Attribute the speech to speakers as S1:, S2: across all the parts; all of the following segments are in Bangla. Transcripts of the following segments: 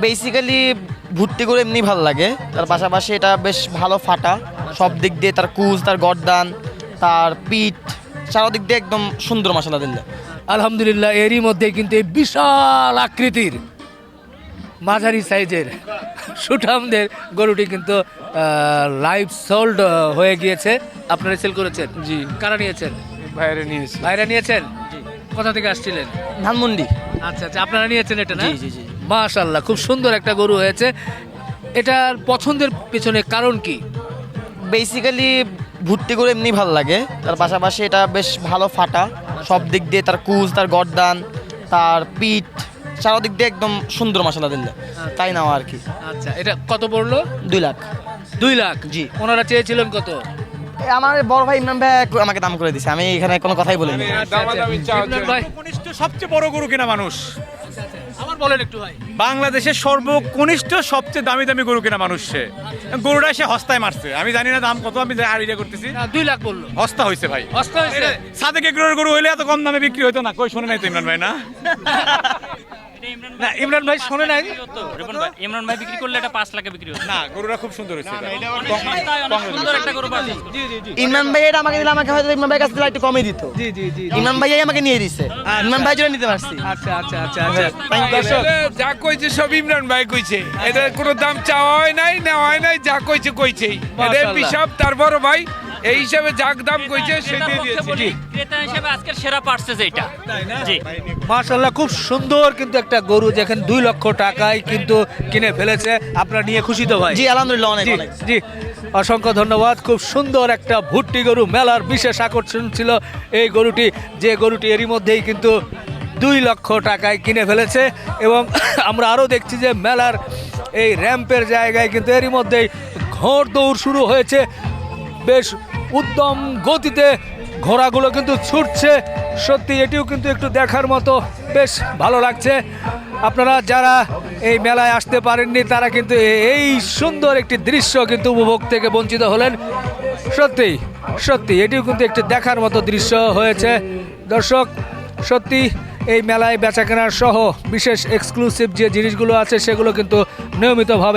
S1: বেসিক্যালি ভর্তি করে এমনি ভালো লাগে, তার পাশাপাশি এটা বেশ ভালো ফাটা সব দিক দিয়ে, তার কুচ, তার গর্দান, তার পিঠ, চারদিক দিয়ে একদম সুন্দর মাশাআল্লাহ দিল্লা।
S2: আলহামদুলিল্লাহ, এরই মধ্যে কিন্তু এই বিশাল আকৃতির মাঝারি সাইজের সুঠামদের গরুটি কিন্তু লাইভ সোল্ড হয়ে গিয়েছে। আপনারা সেল করেছেন?
S3: জি,
S2: কারা নিয়েছেন?
S3: বাইরে নিয়েছি।
S2: ভাইরা নিয়েছেন? কোথা থেকে আসছিলেন?
S1: ধানমন্ডি।
S2: আচ্ছা আচ্ছা, আপনারা নিয়েছেন এটা না?
S1: জি জি জি।
S2: মাশাআল্লাহ, খুব সুন্দর একটা গরু হয়েছে। এটার পছন্দের পেছনে কারণ কি?
S1: বেসিক্যালি ভর্তি করে এমনি ভালো লাগে, তার পাশাপাশি এটা বেশ ভালো ফাটা সব দিক দিয়ে, তার কুচ, তার গর্দান, তার পিঠ, চারদিক দিয়ে একদম সুন্দর মাশাআল্লাহ দিল্লা, তাই নেওয়া আর কি।
S2: আচ্ছা, এটা কত পড়লো?
S1: 2 লাখ।
S2: 2 লাখ?
S1: জি।
S2: ওনারা চেয়েছিলেন কত?
S1: আমার বড় ভাই ইমরান ভাই আমাকে দাম করে দিছে, আমি এখানে কোনো কথাই বলিনি।
S3: দামাদামি চাওয়া
S2: ইমরান ভাই,
S4: কনিষ্ঠ সবচেয়ে বড় গরু কেনা মানুষ
S2: আমার বলেন একটু ভাই।
S4: বাংলাদেশের সর্বকনিষ্ঠ সবচেয়ে দামি দামি গরু কেনা মানুষ সে। গরুটা সে হস্তায় মারছে, আমি জানি না দাম কত, আমি আইডিয়া করতেছি।
S2: না, 2 লাখ বললো।
S4: হস্তা হয়েছে ভাই।
S2: অস্ত হয়েছে?
S4: সাদেক এগ্রোর গরু হইলে এত কম দামে বিক্রি হতো না। কই শোনে নাই তো ইমরান ভাই? না
S2: না, ইমরান ভাই শোনে নাই।
S5: ইমরান ভাই বিক্রি করলে এটা 5 লাখে বিক্রি হতো।
S4: না, গরুটা খুব সুন্দর হয়েছে।
S5: অনেক সুন্দর একটা গরু পাচ্ছি।
S1: ইমরান ভাই এটা আমাকে দিলে, আমাকে হয়তো ইমরান ভাই কাছে দিলে একটু কমই দিত।
S2: জি জি জি।
S1: ইমরান ভাই আমাকে নিয়ে দিছে, ইমরান ভাই জন্য নিতে পারছি।
S2: আচ্ছা আচ্ছা আচ্ছা আচ্ছা।
S3: দর্শক, যা কইছে সব ইমরান ভাই কইছে। এদের কোনো দাম চাওয়া হয় নাই, নেওয়া হয় নাই, যা কইছে কইছেই। এদের
S2: মাশাআল্লাহ।
S3: হিসাব তার বড় ভাই এই হিসাবে যা দাম কইছে
S5: ক্রেতার
S3: সেটাই
S5: পক্ষে
S3: দিয়েছে।
S5: বলি, ক্রেতা হিসেবে আজকের সেরা পার্সেস এইটা। জি।
S2: মাশাআল্লাহ, খুব সুন্দর কিন্তু একটা গরু, যেখানে 2 লক্ষ টাকায় কিন্তু কিনে ফেলেছে। আপনারা নিয়ে খুশি তো ভাই?
S1: জি আলহামদুলিল্লাহ, অনেক
S2: জি
S1: অনেক।
S2: জি, অসংখ্য ধন্যবাদ। খুব সুন্দর একটা ভুট্টি গরু, মেলার বিশেষ আকর্ষণ ছিল এই গরুটি, যে গরুটি এরই মধ্যেই কিন্তু 2 লক্ষ টাকায় কিনে ফেলেছে। এবং আমরা আরও দেখছি যে মেলার এই র্যাম্পের জায়গায় কিন্তু এরই মধ্যেই ঘোড় দৌড় শুরু হয়েছে। বেশ উদ্যম গতিতে ঘোড়াগুলো কিন্তু ছুটছে। সত্যি এটিও কিন্তু একটু দেখার মতো, বেশ ভালো লাগছে। আপনারা যারা এই মেলায় আসতে পারেননি তারা কিন্তু এই সুন্দর একটি দৃশ্য কিন্তু উপভোগ থেকে বঞ্চিত হলেন। সত্যি সত্যি এটিও কিন্তু একটি দেখার মতো দৃশ্য হয়েছে। দর্শক, সত্যি এই মেলায় বেচাকেনার সহ বিশেষ এক্সক্লুসিভ যে জিনিসগুলো আছে সেগুলো কিন্তু নিয়মিতভাবে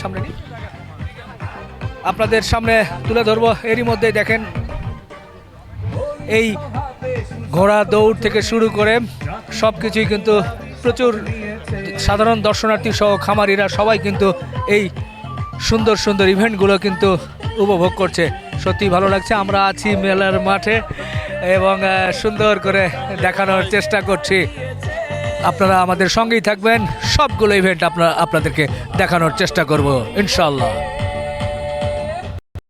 S2: আপনাদের সামনে তুলে ধরবো। এরই মধ্যে দেখেন এই ঘোড়া দৌড় থেকে শুরু করে সব কিছুই কিন্তু প্রচুর সাধারণ দর্শনার্থী সহ খামারিরা সবাই কিন্তু এই সুন্দর সুন্দর ইভেন্টগুলো কিন্তু উপভোগ করছে। সত্যি ভালো লাগছে। আমরা আছি মেলার মাঠে এবং সুন্দর করে দেখানোর চেষ্টা করছি। আপনারা আমাদের সঙ্গেই থাকবেন, সবগুলো ইভেন্ট আপনাদেরকে দেখানোর চেষ্টা করব ইনশাআল্লাহ।